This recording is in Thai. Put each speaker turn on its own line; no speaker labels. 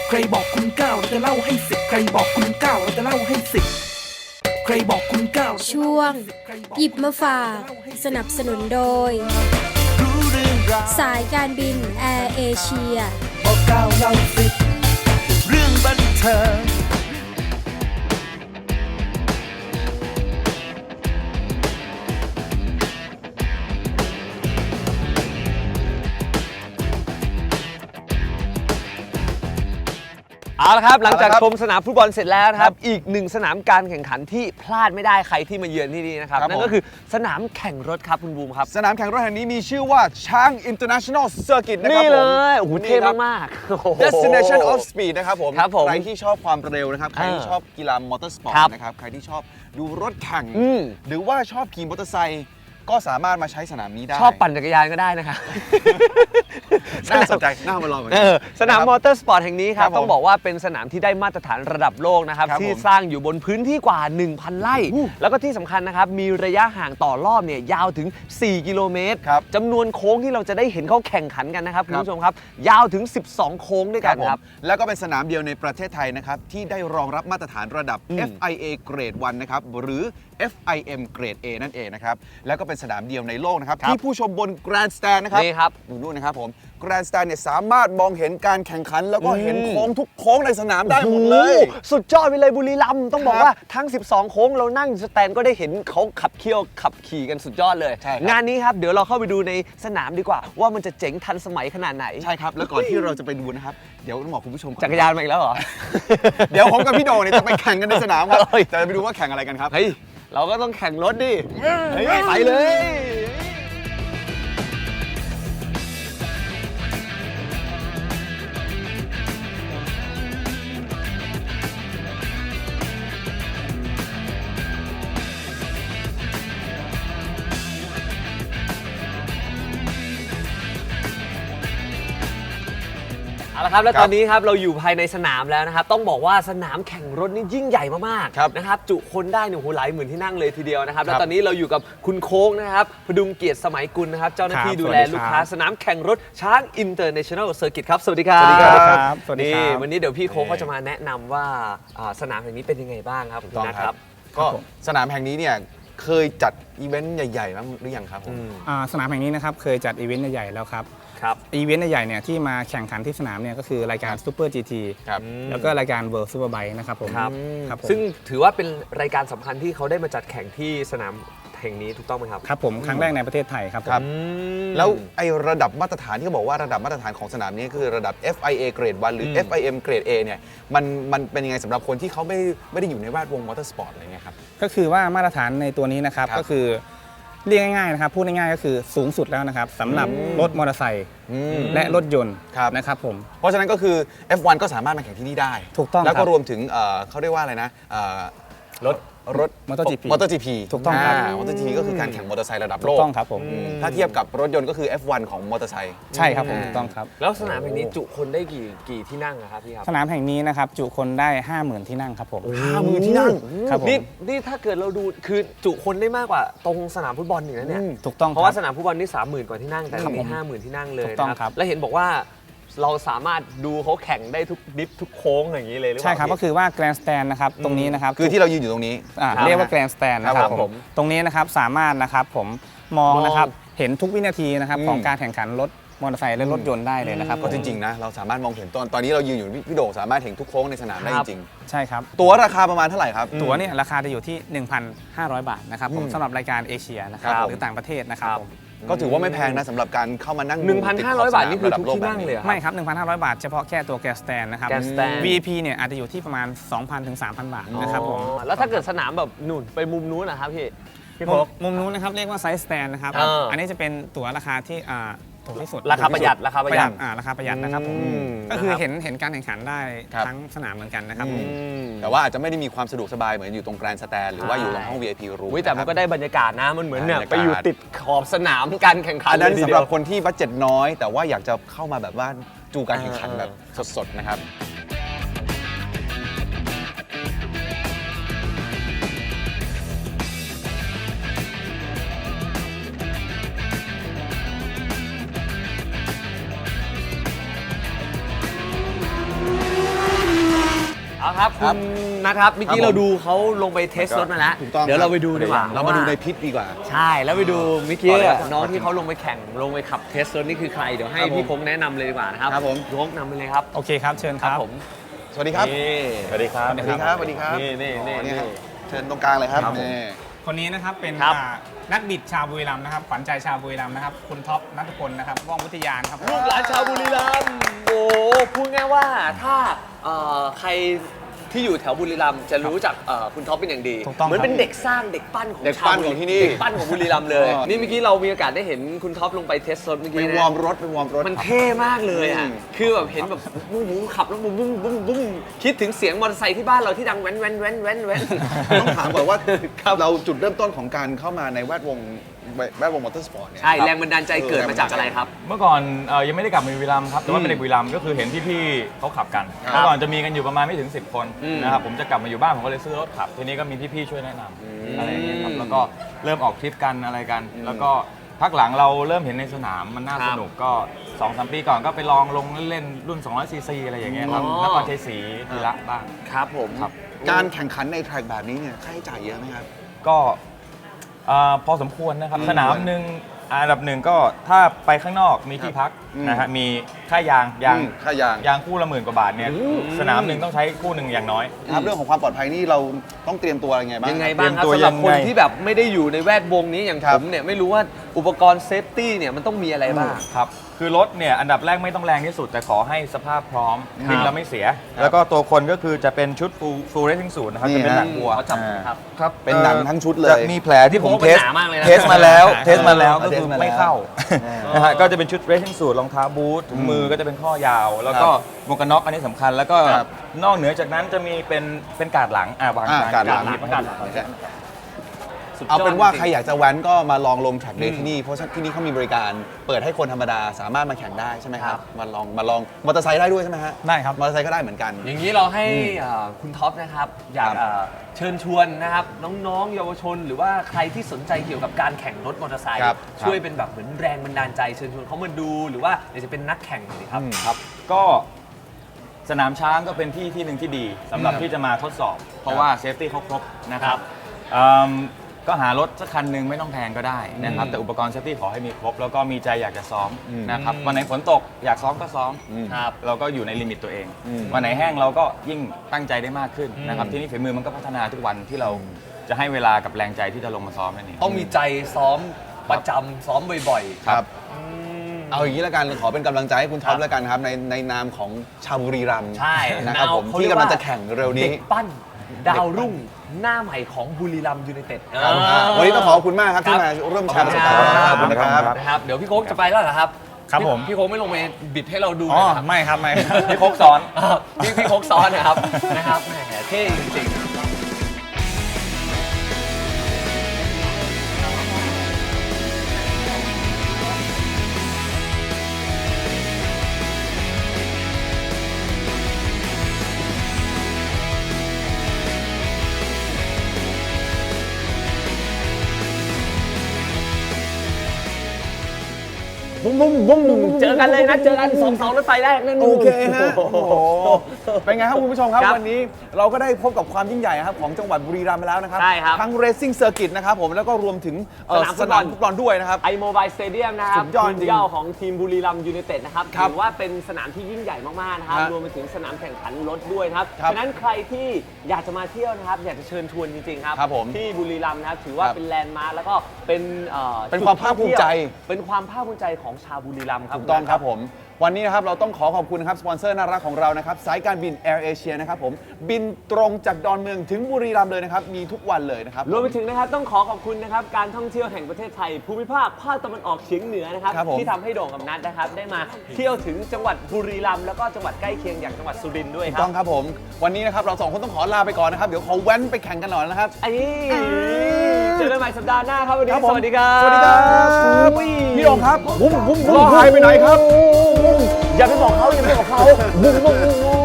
ใครบอกคุณเก้าเราจะเล่าให้สิบใครบอกคุณเก้าเราจะเล่าให้สิบใครบอกคุณเก้า
ช่วงหยิบมาฝากสนับสนุนโดยสายการบินแอร์เอเชีย
บอกเก้าเล่าสิบเรื่องบันเทิง
เอาละครับหลังจากชมสนามฟุตบอลเสร็จแล้วนะครับอีกหนึ่งสนามการแข่งขันที่พลาดไม่ได้ใครที่มาเยือนที่นี่นะครับนั่นก็คือสนามแข่งรถครับคุณบูมครับ
สนามแข่งรถแห่งนี้มีชื่อว่าช้าง International Circuit นะครับผม
นี่เลยโอ้โหเท่มากๆ
Destination of Speed นะครับผม
ครับผม
ใครที่ชอบความเร็วนะครับใครที่ชอบกีฬามอเตอร์สปอร์ตนะครับใครที่ชอบดูรถแข่งหรือว่าชอบขี่มอเตอร์ไซค์ก็สามารถมาใช้สนามนี้ได้
ชอบปั่นจักรยานก็ได้นะครับ
น่าสนใจน่ามาลองกัน
สนามมอเตอร์สปอร์ตแห่งนี้ครับต้องบอกว่าเป็นสนามที่ได้มาตรฐานระดับโลกนะครับที่สร้างอยู่บนพื้นที่กว่า 1,000 ไร่แล้วก็ที่สำคัญนะครับมีระยะห่างต่อรอบเนี่ยยาวถึง4กิโลเมตรจำนวนโค้งที่เราจะได้เห็นเขาแข่งขันกันนะครับคุณผู้ชมครับยาวถึง12โค้งด้วยกันครับ
แล้วก็เป็นสนามเดียวในประเทศไทยนะครับที่ได้รองรับมาตรฐานระดับ FIA เกรด 1 นะครับหรือ FIM เกรด A นั่นเองนะครับแล้วก็เป็นสนามเดียวในโลกนะครับที่ผู้ชมบน Grand Stand นะครับ
นี่ครับ
ดูนู่นนะครับผม Grand Stand เนี่ยสามารถมองเห็นการแข่งขันแล้วก็เห็นโค้งทุกโค้งในสนามได้หมดเลย
สุดยอดไปเลยบุรีรัมย์ต้องบอกว่าทั้ง12โค้งเรานั่งสแตนก็ได้เห็นเขาขับขี่กันสุดยอดเลยงานนี้ครับเดี๋ยวเราเข้าไปดูในสนามดีกว่าว่ามันจะเจ๋งทันสมัยขนาดไหน
ใช่ครับแล้วก่อนที่เราจะไปดูนะครับเดี๋ยวต้องบอกคุณผู้ชม
จักรยานมาอีกแล้วเหรอ
เดี๋ยวผมกับพี่โดเนี่ยจะไปแข่งกันในสนามครับจะไปดูว่าแข่งอะไรกันครับ
เราก็ต้องแข่งรถดิไปเลยเอาละครับแล้วตอนนี้ครับเราอยู่ภายในสนามแล้วนะครับต้องบอกว่าสนามแข่งรถนี่ยิ่งใหญ่มากๆนะครับจุคนได้เนี่ยโหหลายหมื่นที่นั่งเลยทีเดียวนะครับแล้วตอนนี้เราอยู่กับคุณโค้งนะครับพดุงเกียรติสมัยกุลนะครับเจ้าหน้าที่ดูแลลูกค้าสนามแข่งรถช้าง International Circuit ครับสวัสดีครับ
สวัสดีครับ
สวัสดีครับวันนี้เดี๋ยวพี่โค้งก็จะมาแนะนำว่าสนามแห่งนี้เป็นยังไงบ้างครับ
คุณนะครับก็สนามแห่งนี้เนี่ยเคยจัดอีเวนต์ใหญ่ๆบ้างหรือยังครับผม
สนามแห่งนี้นะครับเคยจัดอีเวนต์ใหญ่ๆแล้วครับอีเวนต์ใหญ่ๆเนี่ยที่มาแข่งขันที่สนามเนี่ยก็คือรายการ Super GT แล้วก็รายการ World Superbike นะครับผม
ซึ่งถือว่าเป็นรายการสำคัญที่เขาได้มาจัดแข่งที่สนามแห่งนี้ถูกต้องไหมครับ
ครับผมครั้งแรกในประเทศไทยครับ
แล้วไอ้ระดับมาตรฐานที่เขาบอกว่าระดับมาตรฐานของสนามนี้คือระดับ FIA เกรด 1 หรือ FIM เกรด A เนี่ยมันเป็นยังไงสำหรับคนที่เขาไม่ได้อยู่ในแวดวงมอเตอร์สปอร์ตอะไรเงี้ยครับ
ก็คือว่ามาตรฐานในตัวนี้นะครับก็คือเรียกง่ายๆนะครับพูดง่ายๆก็คือสูงสุดแล้วนะครับสำหรับรถมอเตอร์ไซค์และรถยนต์นะครับผม
เพราะฉะนั้นก็คือ F1 ก็สามารถมาแข่งที่นี่ได้
ถูกต้อง
แล้วก็รวมถึงเขาเรียกว่าอะไรนะรถ
มอเตอร์จีพี
ถูกต้องครับมอเตอร์จีพีก็คือการแข่งมอเตอร์ไซค์ระดับโลก
ถูกต้องครับผม
ถ้าเทียบกับรถยนต์ก็คือ F1 ของมอเตอร์ไซค์
ใช่ครับผมถูกต้องครับ
แล้วสนามแห่งนี้จุคนได้กี่ที่นั่งครับพี่ครับ
สนามแห่งนี้นะครับจุคนได้ 50,000 ที่นั่งครับผม
50,000 ที่นั่ง
ครับผม
นี่ถ้าเกิดเราดูคือจุคนได้มากกว่าตรงสนามฟุตบอลอีกนะเนี่ย
ถูกต้อง
เพราะว่าสนามฟุตบอลนี่ 30,000 กว่าที่นั่งแต่นี่50,000 ที่นั่งเลยนะครับแล้วเห็นบอกว่าเราสามารถดูเขาแข่งได้ทุกดิฟทุกโค้งอย่างนี้เลยหรือเปล่า
ใช่ครับก็คือว่าแกรนด์สแตนนะครับตรงนี้นะครับ
คือที่เรายืนอยู่ตรงนี้
เรียกว่าแกรนด์สแตนนะครับผมตรงนี้นะครับสามารถนะครับผมมองนะครับเห็นทุกวินาทีนะครับของการแข่งขันรถมอเตอร์ไซค์และรถยนต์ได้เลยนะครับ
ก็จริงๆนะเราสามารถมองเห็นตอนนี้เรายืนอยู่พี่โด่งสามารถเห็นทุกโค้งในสนามได้จริง
ใช่ครับ
ตั๋วราคาประมาณเท่าไหร่ครับ
ตั๋วเนี่ยราคาจะอยู่ที่ 1,500 บาทนะครับผมสำหรับรายการเอเชียนะครับหรือต่างประเทศนะครับผม
ก็ถือว่าไม่แพงนะสำหรับการเข้ามานั่ง
1,500 บาทนี่คือทุกที่นั่งเลย
ไม่ครับ 1,500 บาทเฉพาะแค่ตัวแกสแตนนะครับ VIP เนี่ยอาจจะอยู่ที่ประมาณ 2,000 ถึง 3,000 บาทนะครับผม
แล้วถ้าเกิดสนามแบบนู่นไปมุมนู้นนะครับพี่
มุมนู้นนะครับเรียกว่าไซส์สแตนนะครับอันนี้จะเป็นตั๋วราคาที่ถูกที่สุด
ราคาประหยัดราคาประหยัด
นะครับผมก็คือเห็นการแข่งขันได้ทั้งสนามเหมือนกันนะครับ
แต่ว่าอาจจะไม่ได้มีความสะดวกสบายเหมือนอยู่ตรงแกรนด์สแตนหรือว่าอยู่ตรงห้อง VIP รูม
แต่มันก็ได้บรรยากาศนะมันเหมือนเนี่ยไปอยู่ติดขอบสนามการแข่งขัน
อันนั้นสำหรับคนที่บัดเจ็ตน้อยแต่ว่าอยากจะเข้ามาแบบว่าจูการแข่งขันแบบสดๆนะครับ
เ
เอาครับคุณนะครับเมื่อกี้เราดูเขาลงไปเทสรถมาแล้ว
ถูกต้อง
เดี๋ยวเราไปดูดีกว่า
เรามาดูในพิษดีกว่า
ใช่แล้วไปดูเมื่อกี้
ต่อเลยครับ
น้องที่เขาลงไปแข่งลงไปขับเทสรถนี่คือใครเดี๋ยวให้พี่คงแนะนำเลยดีกว่านะครับ
ครับผม
พี่คงนำไปเลยครับ
โอเคครับเชิญครับ
ผม
สวัสดีครับ
นี่
สวัสดีครับ
สวัสดีครับสวัสดีครับ
นี่
ครับเชิญตรงกลางเลยครับ
ครับผม
นี่
คนนี้นะครับเป็น
ครับ
นักบิดชาวบุรีรัมย์นะครับขวัญใจชาวบุรีรัมย์นะครับคุณท็อปณัฐพลนะครับว่องวิทยานครับ
ลูกหลานชาวบุรีรัมย์โอ้พูดง่ายว่าถ้าใครที่อยู่แถวบุรีรัมย์จะรู้จักคุณท็อปเป็นอย่างดี
ถูกต้อง
เหมือน
ครับ
เป็นเด็กสร้างเด็กปั้นของ
เด็กปั้น
ชาวบุรี
ของที่นี่
เด็กปั้นของบุรีรัมย์เลย
อ๋อ
นี่เมื่อกี้เรามีโอกาสได้เห็นคุณท็อปลงไปเทสรถเมื่อ
ไป
กี้
วอร์
นะ
มรถไปวอร์มรถ
มันเท่มากเลยอ่ะ
อืม
คือแบบเห็นแบบบุ้มขับแล้วบุ้มบุ้มบุ้มบุ้มคิดถึงเสียงมอเตอร์ไซค์ที่บ้านเราที่ดังแว้นแว้นแว้นแว้นแว้น
ต้องถามก่อนว่าเราจุดเริ่มต้นของการเข้ามาในแวดวงมอเตอร์สปอร์ตเนี่ย
ใช่แรงบันดาลใจเกิดมาจากอะไรครับ
เมื่อก่อนยังไม่ได้กลับมาบุรีรัมย์ครับแต่ว่าเป็นเด็กบุรีรัมย์ก็คือเห็นพี่ๆเขาขับกัน
ครับ
เมื่อก่อนจะมีกันอยู่ประมาณไม่ถึง 10 คน
อืม
นะครับผมจะกลับมาอยู่บ้านผมก็เลยซื้อรถขับ ทีนี้ก็มีพี่ๆช่วยแนะนำอะไรอย่างเงี้ยครับแล้วก็เริ่มออกทริปกันอะไรกัน แล้วก็พักหลังเราเริ่มเห็นในสนามมันน่าสนุกก็ 2-3 ปีก่อนก็ไปลองลงเล่นๆรุ่น200 ซีซีอะไรอย่างเงี้ยครับ
อ๋อ
นครชัยศรีธีระบ้าง
ครับผม
ครับ
การแข่งขันในแทร็กแบบนี้เนี่ยค่าใช้จ่ายเยอะไหมครับ
ก็พอสมควรนะครับสนามหนึ่งอันดับหนึ่งก็ถ้าไปข้างนอกมีที่พัก
อืม
นะฮะมีค่ายาง
ค่ายาง
ยางคู่ละ10,000 กว่าบาทเนี่ยสนามหนึ่งต้องใช้คู่หนึ่งอย่างน้อย
ครับเรื่องของความปลอดภัยนี่เราต้องเตรียมตัวอะไรไงบ้าง
ยังไงบ้างครับ
เตรียมตัว
สำหรับคน
ยังไง
ที่แบบไม่ได้อยู่ในแวดวงนี้อย่าง
ครั
ผ
บ
มเนี่ยไม่รู้ว่าอุปกรณ์เซฟตี้เนี่ยมันต้องมีอะไรบ้าง
ครับคือรถเนี่ยอันดับแรกไม่ต้องแรงที่สุด แต่ขอให้สภาพพร้อมวิ่งแล้วไม่เสีย แล้วก็ตัวคนก็คือจะเป็นชุด full racing suit นะครับ
นี่
จะเป็น
ฮะ
หนังวัว
เขาจับครับ
ครับ
เป็นหนังทั้งชุดเลย
จะมีแผลที่ผม
โอ้โห
เทส
มันหนามากเลยนะ
เทสมาแล้ว
ใช่
เทสมาแล้วก็
เท
คื
ส
อ
มาแล้ว
ไม่เข้านะฮะก็จะเป็นชุด racing suit รองเท้าบูทถุงมือก็จะเป็นข้อยาว แล้วก็หมวกกันน็อกอันนี้สำคัญแล้วก็
ครับ
นอกเหนือจากนั้นจะมีเป็นการ์ดหลังวาง
การหลัง
การ์ดหลัง
เอาเป็นว่าใครอยากจะแว้นก็มาลองลงแทร็กเดย์ที่นี่เพราะที่นี่เขามีบริการเปิดให้คนธรรมดาสามารถมาแข่งได้ใช่ไหมครับมาลองมอเตอร์ไซค์ได้ด้วยใช่ไหมฮะ
ได้ครับ
มอเตอร์ไซค์ก็ได้เหมือนกัน
อย่างนี้เราให้คุณท็อปนะครับอยาก
ครับ
เชิญชวนนะครับน้องๆเยาวชน หรือว่าใครที่สนใจเกี่ยวกับการแข่งรถมอเตอร์ไซค์
ครับ
ช่วยเป็นแบบเหมือนแรงบันดาลใจเชิญชวนเขามาดูหรือว่าอยากจะเป็นนักแข่งหน่อยครับ
ครับก็สนามช้างก็เป็นที่หนึ่งที่ดีสำหรับที่จะมาทดสอบ เพราะว่าเซฟตี้เขาครบนะครับก็หารถสักคันหนึ่งไม่ต้องแพงก็ได้นะครับแต่อุปกรณ์เซฟตี้ขอให้มีครบ แล้วก็มีใจอยากจะซ้อมนะครับวันไหนฝนตกอยากซ้อมก็ซ้อม
ครับ
เราก็อยู่ในลิมิตตัวเอง วันไหนแห้งเราก็ยิ่งตั้งใจได้มากขึ้นนะครับที่นี่ฝีมือมันก็พัฒนาทุกวันที่เราจะให้เวลากับแรงใจที่จะลงมาซ้อมนั่นเอง
ต้องมีใจซ้อมประจำซ้อมบ่อยๆ
ครับ เอาอย่างนี้แล้วกันขอเป็นกำลังใจให้คุณท็อปแล้วกันครับในนามของชาวบุรีรัมย์
ใช่
นะครับผม
เขา
ที่
เรีย
กำลังจะแข่งเร็วนี้
เด็กปั้นดาวรุ่งหน้าใหม่ของบุรีรัมย์ยูไนเต็ด
ครับวันนี้ต้องขอบคุณมากครับที่มาร่วมแชร์ประสบการณ์
ข
ข
อ
อ
บบ คุ
คุณ ณ
ค
นะ
รั
ครับ
นะครับเดี๋ยวพี่โค้กจะไปแล้วเหรอครับ
ครับผม
พี่โค้กไม่ลงไปบิดให้เราดู
อ๋อ
นะครับ
ไม่ครับไม่
พี่โคกซ้อน
พี่โค้กซ้อนนะครับนะครับแหมเท่จริงๆ บุ้มบุ้มบุ้มเจอกันเลยนะเจอกัน2 เสารถไฟแรกนั่น
โอเคฮะ โอ้โห เป็นไงครับคุณผู้ชมครับ
ครับ
วันนี้เราก็ได้พบกับความยิ่งใหญ่ครับของจังหวัดบุรีรัมย์ไปแล้วนะครับ
ใช่ครับ
ทั้ง Racing Circuit นะครับผมแล้วก็รวมถึงสนามฟุตบอลด้วยนะครับ
ไอโมบายสเตเดียมนะครับ
สุดยอดจริง
ทีมเย่าของทีมบุรีรัมย์ยูไนเต็ดนะครับ
ครับ
ถือว่าเป็นสนามที่ยิ่งใหญ่มากๆนะครับ
ฮะ
รวมไปถึงสนามแข่งขันรถด้วยนะครับ
ครับ
ฉะนั้นใครที่อยากจะมาเที่ยวนะครับอยากจะเชิญชวนจริงๆครับ
ครับผม
ที่บุรีรัมย์นะครับถือว่า
ครับ
เป็นแลนด์มาร์คแล้วก็เป็น
เป็นความภาคภูมิใจ
เป็นความภาคภูมิใจของชาวบุรีรัมย์ครับ
ถูกต้องครับผม วันนี้นะครับเราต้องขอบคุณนะครับสปอนเซอร์น่ารักของเรานะครับสายการบิน Air Asia นะครับผมบินตรงจากดอนเมืองถึงบุรีรัมย์เลยนะครับมีทุกวันเลยนะครับ
รวมไปถึงนะครับต้องขอขอบคุณนะครับการท่องเที่ยวแห่งประเทศไทย ภูมิภาคภาคตะวันออกเฉียงเหนือนะครับ
ครับผม
ที่ทำให้โด่งกับนัทนะครับได้มาเที่ยวถึงจังหวัดบุรีรัมย์แล้วก็จังหวัดใกล้เคียงอย่างจังหวัดสุรินทร์ด้วย
ถูก
ครั
ต้
บ
องครับผมวันนี้นะครับเราสองคนต้องขอลาไปก่อนนะครับเดี๋ยวขอแว้นไปแข่งกันหน่อยนะครับ
ไอ้เจอกันใหม่สัปดาห์หน้าครับวันนี้
ครับผม
สวัสดีครับ
สวัสดีครับพี่องครับบุ้มบุ้มบุ้มหายไปไหนครับ
อย่าไปบอกเขาอย่าไปบอกเขาบุ้มบุ้มบุ้ม